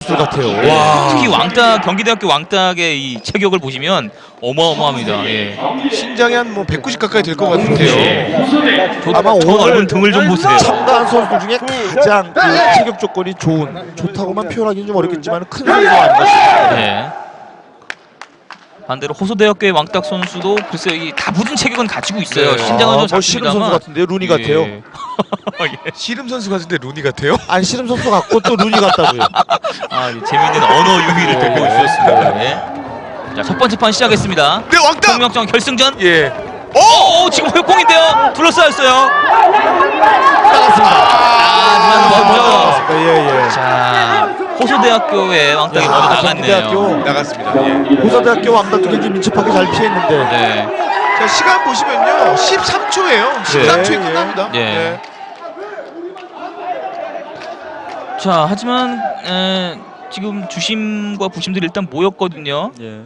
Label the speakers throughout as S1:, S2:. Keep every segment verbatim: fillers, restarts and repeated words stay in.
S1: 같아요.
S2: 와. 특히 왕딱 경기대학교 왕딱의 이 체격을 보시면 어마어마합니다. 예.
S3: 신장이 한 뭐 백구십 가까이 될 것 같은데요.
S2: 네. 저,
S1: 아마
S2: 저
S1: 오늘
S2: 넓은 등을 좀 보세요.
S1: 참가한 선수들 중에 가장 그 체격 조건이 좋은, 좋다고만 표현하기는 좀 어렵겠지만 큰 선수가 아닌가 싶습니다.
S2: 네. 반대로 호소대학교의 왕딱 선수도 글쎄요, 이 다부진 체격은 가지고 있어요.
S3: 네.
S2: 신장은 좀
S1: 뭐 씨름
S2: 작습니다만.
S1: 선수 같은데요, 루니 같아요.
S2: 예.
S3: 씨름 선수 같은데 루니 같아요?
S1: 아니 씨름 선수 같고 또 루니 같다고요.
S2: 아, 이 재미있는 언어 유희를 돋보고 있었습니다. 네. 자, 첫 번째 판 시작했습니다.
S3: 네, 왕딱!
S2: 동명정 결승전.
S3: 예.
S2: 오, 오, 지금 홀공인데요. 둘러싸였어요.
S1: 나갔습니다.
S2: 아, 하지만 먼저.
S1: 나갔습니다. 예, 예.
S2: 자, 호소대학교의 왕딱이
S1: 야,
S2: 먼저 나갔네요.
S1: 경기대학교
S3: 나갔습니다. 예.
S1: 호서대학교 왕따 두개 민첩하게 잘 피했는데.
S2: 네.
S3: 자, 시간 보시면요. 십삼 초예요. 십삼 초에
S1: 예,
S3: 끝납니다.
S2: 예.
S3: 예.
S2: 자, 하지만 에, 지금 주심과 부심들이 일단 모였거든요.
S1: 예.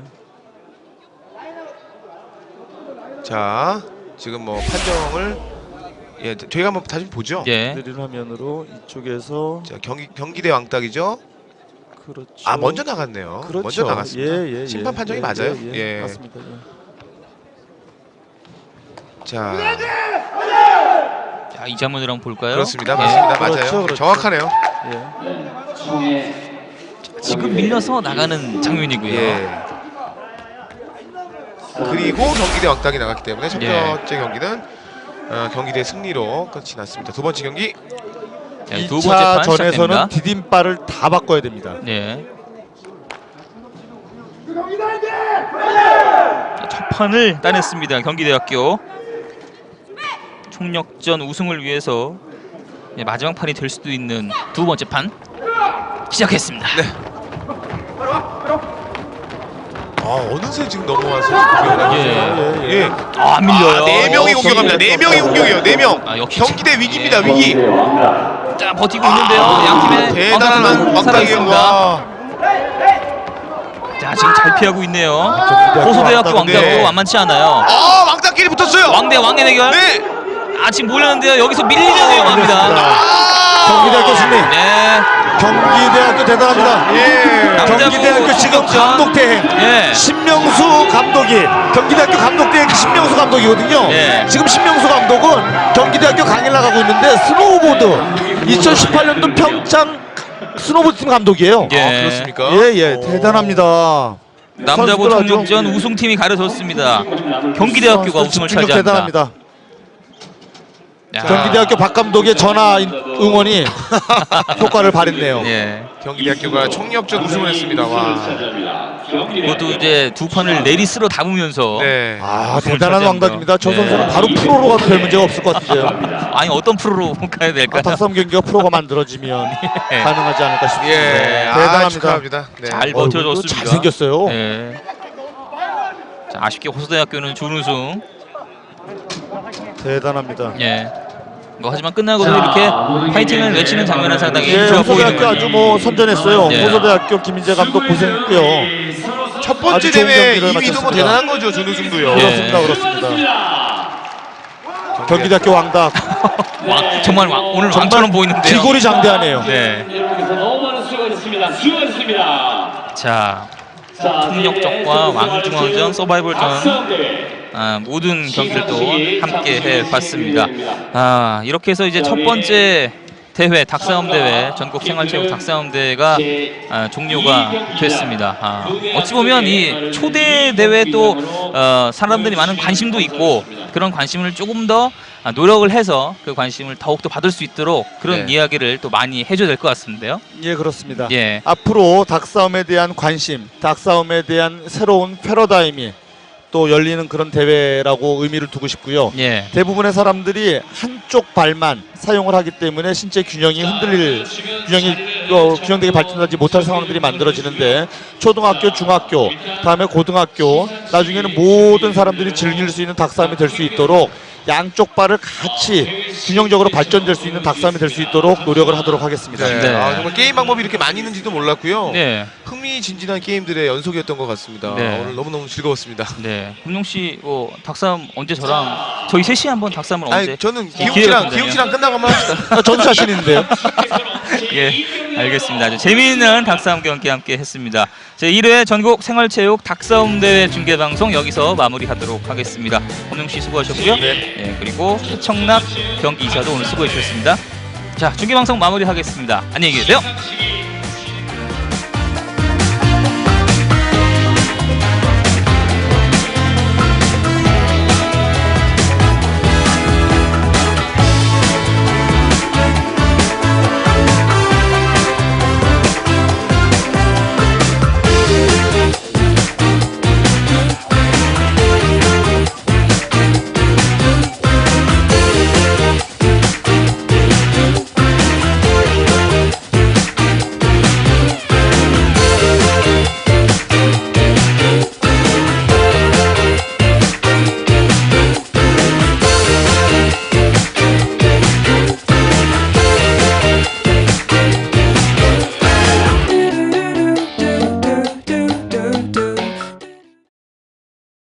S3: 자, 지금 뭐 판정을 예, 저희가 한번 다시 보죠.
S2: 예.
S1: 느린 화면으로 이쪽에서
S3: 자, 경기 경기대 왕딱이죠.
S1: 그렇죠.
S3: 아, 먼저 나갔네요.
S1: 그렇죠.
S3: 먼저 나갔습니다.
S1: 예, 예,
S3: 심판
S1: 예,
S3: 판정이
S1: 예,
S3: 맞아요.
S1: 예,
S3: 예.
S1: 예. 맞습니다. 예.
S3: 자,
S2: 자, 이 장면을 한번 볼까요?
S3: 그렇습니다.
S2: 예.
S3: 맞습니다. 맞아요.
S1: 그렇죠, 그렇죠.
S3: 정확하네요.
S1: 예.
S2: 지금 밀려서 나가는 장면이고요.
S3: 예. 그리고 경기대 왕딱이 나갔기 때문에 첫
S2: 예.
S3: 번째 경기는 어, 경기대 승리로 끝이 났습니다. 두 번째 경기
S2: 네, 두
S1: 이
S2: 번째
S1: 차
S2: 판
S1: 전에서는
S2: 시작됩니다.
S1: 디딤발을 다 바꿔야 됩니다.
S2: 네. 자, 첫 판을 따냈습니다. 경기대학교. 총력전 우승을 위해서 네, 마지막 판이 될 수도 있는 두 번째 판 시작했습니다.
S3: 네. 아, 어느새 지금 넘어와서 공격을 하고
S2: 예.
S3: 있어요.
S1: 예,
S3: 예.
S1: 예.
S2: 아, 밀려요.
S3: 아, 네 명이
S1: 어,
S3: 공격합니다. 네 명이 공격이에요. 네 명.
S2: 아, 역시
S3: 경기대 위기입니다.
S2: 예.
S3: 위기.
S2: 자, 버티고 있는데요. 양팀의
S3: 대단한
S2: 왕따들은
S3: 왕딱이에요.
S2: 살아있습니다.
S3: 와.
S2: 자, 지금 잘 피하고 있네요.
S1: 경기대학교
S2: 호소대학교
S1: 왕따,
S2: 왕따도
S3: 네.
S2: 만만치 않아요.
S3: 아, 왕딱끼리 붙었어요.
S2: 왕대 왕의 대결.
S3: 네.
S2: 아, 지금 몰렸는데요. 여기서 밀리면 위험합니다.
S3: 아!
S1: 경기대학교 승리.
S2: 네.
S1: 경기대학교 대단합니다.
S3: 예.
S2: 남자부
S1: 경기대학교 지금
S2: 총력전.
S1: 감독 대행
S2: 예.
S1: 신명수 감독이 경기대학교 감독 대행 신명수 감독이거든요.
S2: 예.
S1: 지금 신명수 감독은 경기대학교 강의를 나가고 있는데 스노우보드 이천십팔 년도 평창 스노우보드 팀 감독이에요.
S2: 예.
S3: 아, 그렇습니까?
S1: 예예 대단합니다.
S2: 남자부
S1: 선수들 아주
S2: 총력전 우승팀이 가려졌습니다. 경기대학교가
S1: 선수들
S2: 우승을
S1: 집중력
S2: 차지합니다.
S1: 대단합니다.
S2: 야.
S1: 경기대학교 박 감독의 전화 응원이 효과를 발했네요.
S2: 예.
S3: 경기대학교가 총력전 우승을 했습니다. 와.
S2: 그것도 이제 두 판을 내리스로 담으면서
S3: 네.
S1: 아
S2: 우승을
S1: 대단한
S2: 차지합니다.
S1: 왕답입니다. 저
S2: 네.
S1: 선수는 바로 프로로 가도 별 문제가 없을 것 같은데요.
S2: 아니 어떤 프로로 가야
S1: 아,
S2: 될까요?
S1: 닭싸움 경기가 프로가 만들어지면
S2: 예.
S1: 가능하지 않을까 싶습니다.
S3: 예. 아,
S1: 대단합니다.
S3: 축하합니다. 네.
S2: 잘
S1: 얼굴도
S2: 버텨줬습니다.
S1: 잘생겼어요.
S2: 예. 자, 아쉽게 호소대학교는 준우승.
S1: 대단합니다.
S2: 예. 뭐 하지만 끝나고도 이렇게 파이팅을 외치는 장면은 상당히
S1: 예,
S2: 좋아 보이는
S1: 호서대학교 아주
S2: 거죠.
S1: 뭐 선전했어요.
S2: 예.
S1: 호서대학교 김인재 감독 고생했고요.
S3: 첫 번째
S1: 아주 좋은
S3: 대회
S1: 경기를
S3: 이 위도 뭐
S1: 마쳤습니다.
S3: 대단한 거죠. 준우승도요.
S2: 예.
S1: 그렇습니다, 그렇습니다. 경기대학교 왕답
S2: 왕, 정말 왕, 오늘
S1: 정말
S2: 왕처럼 보이는데요.
S1: 기골이 장대하네요.
S2: 네.
S4: 여러분께서 너무 많은 수고하셨습니다. 수고하셨습니다.
S2: 자,
S4: 자,
S2: 총력전과 왕중왕전, 서바이벌전
S4: 박수대회.
S2: 아, 모든 경기들도 함께 해봤습니다. 아, 이렇게 해서 이제 첫 번째 대회 닭싸움 대회 전국 생활체육 닭싸움 대회가 아, 종료가 됐습니다. 아, 어찌 보면 이 초대 대회도 어, 사람들이 많은 관심도 있고 그런 관심을 조금 더 아, 노력을 해서 그 관심을 더욱더 받을 수 있도록 그런
S3: 네.
S2: 이야기를 또 많이 해줘야 될 것 같은데요.
S1: 예, 그렇습니다.
S2: 예.
S1: 앞으로 닭싸움에 대한 관심, 닭싸움에 대한 새로운 패러다임이 또 열리는 그런 대회라고 의미를 두고 싶고요.
S2: 예.
S1: 대부분의 사람들이 한쪽 발만 사용을 하기 때문에 신체 균형이 흔들릴 균형이 어, 균형되게 발전하지 못할 상황들이 만들어지는데 초등학교, 중학교, 다음에 고등학교 나중에는 모든 사람들이 즐길 수 있는 닭싸움이 될 수 있도록 양쪽 발을 같이 균형적으로 발전될 수 있는 닭싸움이 될 수 있도록 노력을 하도록 하겠습니다.
S3: 네.
S2: 네.
S3: 아, 정말 게임 방법이 이렇게 많이 있는지도 몰랐고요.
S2: 네.
S3: 흥미진진한 게임들의 연속이었던 것 같습니다.
S2: 네.
S3: 오늘 너무너무 즐거웠습니다.
S2: 네. 금룡 씨, 어, 닭싸움 언제 저랑 저희 셋이 한번 닭싸움을 언제?
S3: 아니, 저는
S2: 기회가
S3: 기웅 씨랑
S2: 된다면.
S3: 기웅 씨랑 끝나고 한번 합시다.
S1: 아, 저도 자신 있는데요.
S2: 예, 알겠습니다. 아주 재미있는 닭싸움 경기 함께 했습니다. 제일 회 전국 생활체육 닭싸움 대회 중계 방송 여기서 마무리하도록 하겠습니다. 홍영 씨 수고하셨고요.
S1: 네.
S2: 예, 그리고 해청락 경기 이사도 오늘 수고해 주셨습니다. 자, 중계 방송 마무리하겠습니다. 안녕히 계세요.